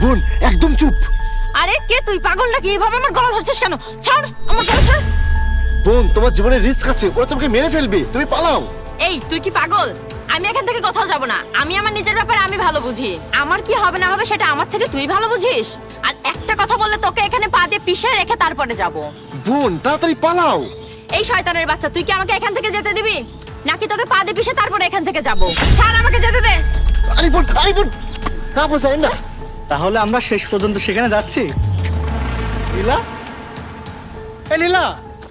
বোন একদম চুপ। আরে কে তুই? পাগল নাকি? এভাবে আমার গলা ধরছিস কেন? ছাড় আমার গলা, ছাড়। বোন তোমার জীবনের রিস্ক আছে, ওরা তোমাকে মেরে ফেলবে, তুমি পালাও। এই তুই কি পাগল? আমি এখান থেকে কোথাও যাব না। আমি আমার নিজের ব্যাপারে আমি ভালো বুঝি। আমার কি হবে না হবে সেটা আমার থেকে তুই ভালো বুঝিস। আর একটা কথা বললে তোকে এখানে পা দিয়ে পিষে রেখে তারপরে যাব। বোন তাড়াতাড়ি পালাও। এই শয়তানের বাচ্চা, তুই কি আমাকে এখান থেকে যেতে দিবি নাকি তোকে পা দিয়ে পিষে তারপরে এখান থেকে যাব? ছাড়, আমাকে যেতে দে। আরে বোন না বোঝাই না। তাহলে আমরা শেষ পর্যন্ত সেখানে যাচ্ছি। লীলা, এ লীলা,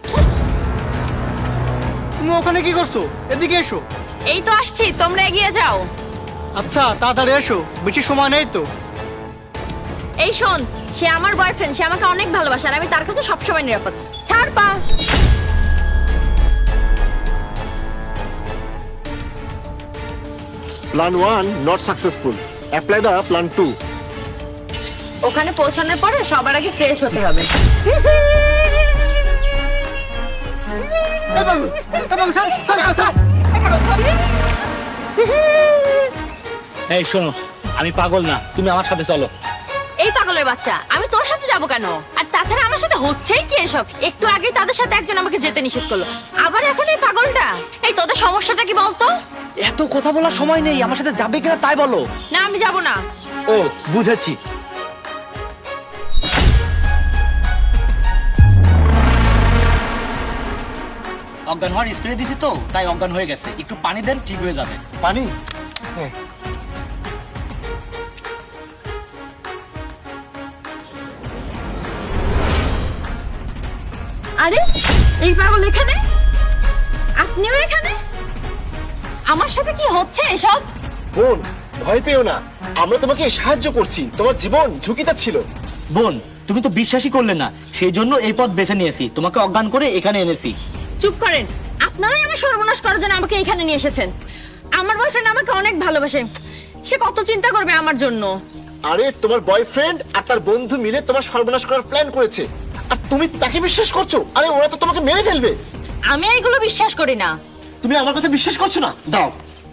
তুমি ওখানে কি করছো? এদিকে এসো। এই তো আসছি, তোমরা এগিয়ে যাও। আচ্ছা তাড়াতাড়ি এসো, বেশি সময় নেই তো। এই শোন, সে আমার বয়ফ্রেন্ড, সে আমাকে অনেক ভালোবাসে আর আমি তার কাছে সবসময় নিরাপদ। ছাড় পা। Plan 1 not successful, apply the plan 2। ওখানে পৌঁছানোর পরে সবার আগে ফ্রেশ হতে হবে। এই শোনো, আমি পাগল না, তুমি আমার সাথে চলো। এই পাগলের বাচ্চা, আমি তোর সাথে যাব কেন? আর তাছাড়া আমার সাথে হচ্ছেই কি এসব? একটু আগে তাদের সাথে একজন আমাকে যেতে নিষেধ করলো, আবার এখন এই পাগলটা। এই তোদের সমস্যাটা কি বলতো? এত কথা বলার সময় নেই, আমার সাথে যাবে কিনা তাই বলো। না আমি যাব না। ও বুঝেছি। অজ্ঞান হওয়ার স্প্রে দিছি তো, তাই অজ্ঞান হয়ে গেছে। একটু পানি দেন, ঠিক হয়ে যাবে। পানি? আরে এই পাগল এখানে, আপনিও এখানে? আমার সাথে কি হচ্ছে এসব? বোন ভয় পেও না, আমরা তোমাকে সাহায্য করছি, তোমার জীবন ঝুঁকিতে ছিল। বোন তুমি তো বিশ্বাসই করলে না, সেই জন্য এই পথ বেছে নিয়েছি, তোমাকে অজ্ঞান করে এখানে এনেছি। চুপ করেন, আপনারাই আমার সর্বনাশ করার জন্য আমাকে এখানে নিয়ে এসেছেন। আমার বয়ফ্রেন্ড আমাকে অনেক ভালোবাসে, সে কত চিন্তা করবে আমার জন্য। আরে তোমার বয়ফ্রেন্ড আর তার বন্ধু মিলে তোমার সর্বনাশ করার প্ল্যান করেছে, আর তুমি তাকে বিশ্বাস করছো? আরে ওরা তো তোমাকে মেরে ফেলবে। আমি এগুলো বিশ্বাস করি না। তুমি আমার কথা বিশ্বাস করছো না? দাও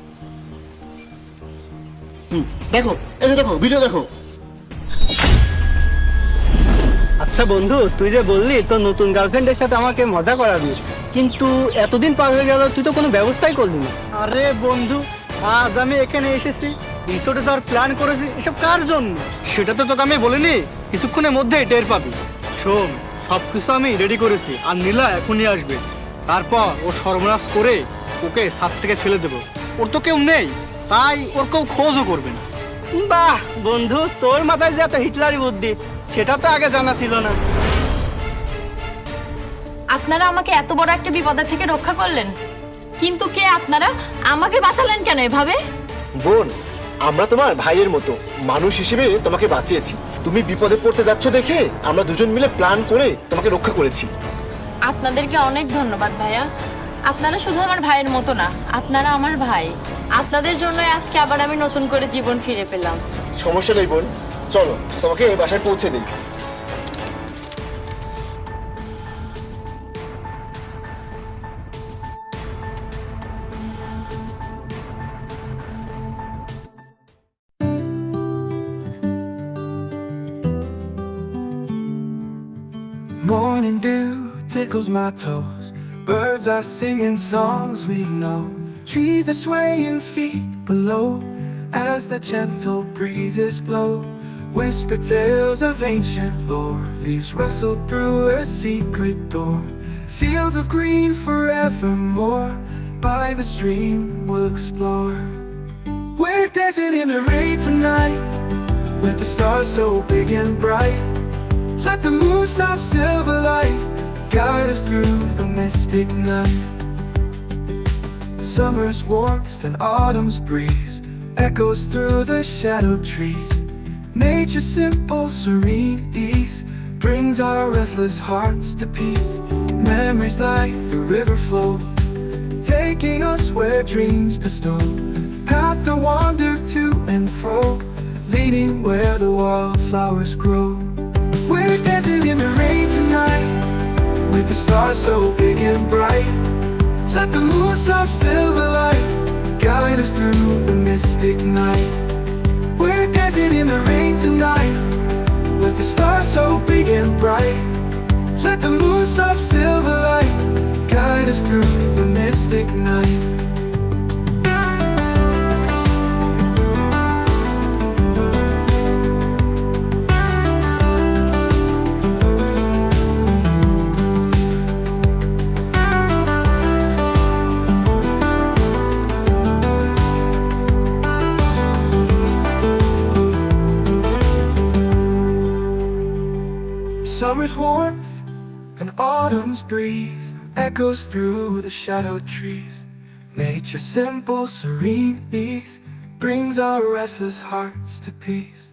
দেখো, এই যে দেখো, ভিডিও দেখো। আচ্ছা বন্ধু, তুই যে বললি তোর নতুন গার্লফ্রেন্ডের সাথে আমাকে মজা করাবি, কিন্তু এতদিন পার হয়ে গেল তুই তো কোনো ব্যবস্থাই করলি না। আরে বন্ধু, আজ আমি এখানে এসেছি, রিসোর্টে তোর প্ল্যান করেছি, এসব কার জন্য সেটা তো তোকে আমি বলিনি, কিছুক্ষণের মধ্যেই টের পাবি। শোন, সবকিছু আমি রেডি করেছি, আর নীলা এখনই আসবে। তারপর ও সর্বনাশ করে ওকে ছাদ থেকে ফেলে দেবো। ওর তো কেউ নেই, তাই ওর কেউ খোঁজও করবে না। বাহ বন্ধু, তোর মাথায় যে এত হিটলারি বুদ্ধি, সেটা তো আগে জানা ছিল না। আপনারা আমাকে এত বড় একটা বিপদের থেকে রক্ষা করলেন, কিন্তু কে আপনারা? আমাকে বাঁচালেন কেন এভাবে? বোন, আমরা তোমার ভাইয়ের মতো মানুষ হিসেবে তোমাকে বাঁচিয়েছি। তুমি বিপদে পড়তে যাচ্ছ দেখে আমরা দুজন মিলে প্ল্যান করে তোমাকে রক্ষা করেছি। আপনাদেরকে অনেক ধন্যবাদ ভাইয়া। আপনারা শুধু আমার ভাইয়ের মতো না, আপনারা আমার ভাই। আপনাদের জন্য আজকে আবার আমি নতুন করে জীবন ফিরে পেলাম। সমস্যা নেই বোন, চলো তোমাকে বাসায় পৌঁছে দিই। Morning dew tickles my toes. Birds are singing songs we know. Trees are swaying feet below as the gentle breezes blow. Whisper tales of ancient lore, leaves rustle through a secret door. Fields of green forevermore, by the stream we'll explore. We're dancing in the rain tonight, with the stars so big and bright. Let the moon's soft silver light guide us through the mystic night. Summer's warmth and autumn's breeze echoes through the shadowed trees. Nature's simple, serene ease brings our restless hearts to peace. Memories like the river flow, taking us where dreams bestow. Paths that wander to and fro, leading where the wildflowers grow. We're dancing in the rain tonight, with the stars so big and bright. Let the moon's soft silver light guide us through the mystic night. We're dancing in the rain tonight, us through the mystic night. Summer's warmth and autumn's breeze echoes through the shadowed trees. Nature's simple, serene ease brings our restless hearts to peace.